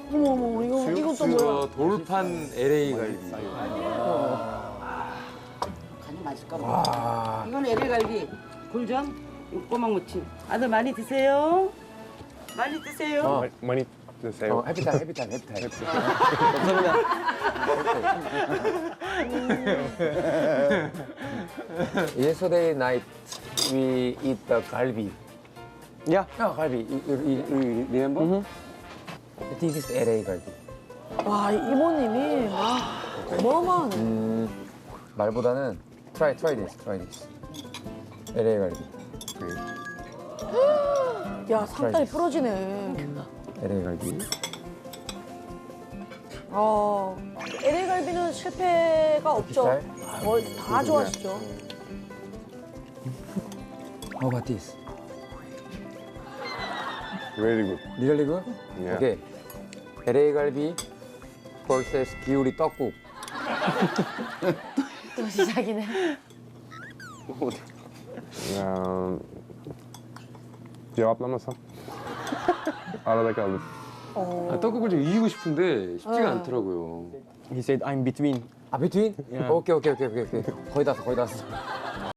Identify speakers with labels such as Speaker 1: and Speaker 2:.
Speaker 1: 어머, 이거 또 뭐야?
Speaker 2: 돌판 LA 갈비.
Speaker 3: 간이 맛있을까 봐. 이건 LA갈비, 굴전, 꼬막 무침. 아들 많이 드세요. 많이 드세요.
Speaker 4: 많이 드세요.
Speaker 2: 해피타임. Yesterday night we eat the galbi.
Speaker 4: Yeah.
Speaker 2: Yeah, galbi. You remember? This is LA 갈비.
Speaker 1: 와, 이모님이 와, 어마어마하네.
Speaker 2: 말보다는 try this. LA 갈비.
Speaker 1: 야, 상다리 부러지네.
Speaker 2: LA 갈비.
Speaker 1: LA 갈비는 실패가 없죠.
Speaker 2: 잘?
Speaker 1: 거의 다 좋아하시죠.
Speaker 2: How about this?
Speaker 4: Very good.
Speaker 2: Really good?
Speaker 4: Yeah.
Speaker 2: Okay. LA 갈비 vs 기우리 떡국.
Speaker 1: 또 시작이네.
Speaker 4: Cevap namazı. Arada kaldık.
Speaker 2: 떡국을 좀 이기고 싶은데 쉽지가 않더라고요.
Speaker 5: He said I'm between.
Speaker 2: 아, between?
Speaker 5: Yeah.
Speaker 2: 오케이. 거의 다 왔어.